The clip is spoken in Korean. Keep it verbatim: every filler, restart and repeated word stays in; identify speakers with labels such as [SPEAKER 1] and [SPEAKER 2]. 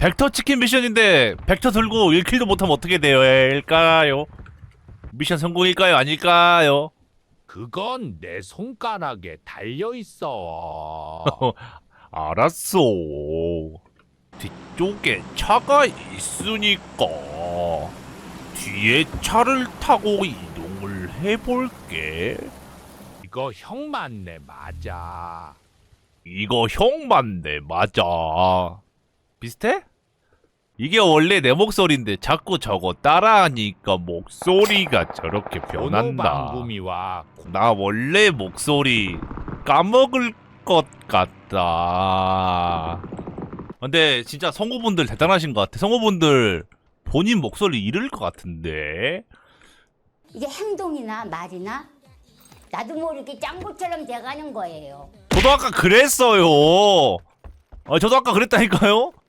[SPEAKER 1] 벡터 치킨 미션인데 벡터 들고 일 킬도 못하면 어떻게 될까요? 미션 성공일까요? 아닐까요?
[SPEAKER 2] 그건 내 손가락에 달려 있어.
[SPEAKER 1] 알았어. 뒤쪽에 차가 있으니까 뒤에 차를 타고 이동을 해볼게.
[SPEAKER 2] 이거 형 맞네, 맞아.
[SPEAKER 1] 이거 형 맞네, 맞아. 비슷해? 이게 원래 내 목소리인데 자꾸 저거 따라하니까 목소리가 저렇게 변한다.
[SPEAKER 2] 번호방구미와
[SPEAKER 1] 나 원래 목소리 까먹을 것 같다. 근데 진짜 성우분들 대단하신 것 같아. 성우분들 본인 목소리 잃을 것 같은데.
[SPEAKER 3] 이게 행동이나 말이나 나도 모르게 짱구처럼 돼가는 거예요.
[SPEAKER 1] 저도 아까 그랬어요. 아, 저도 아까 그랬다니까요.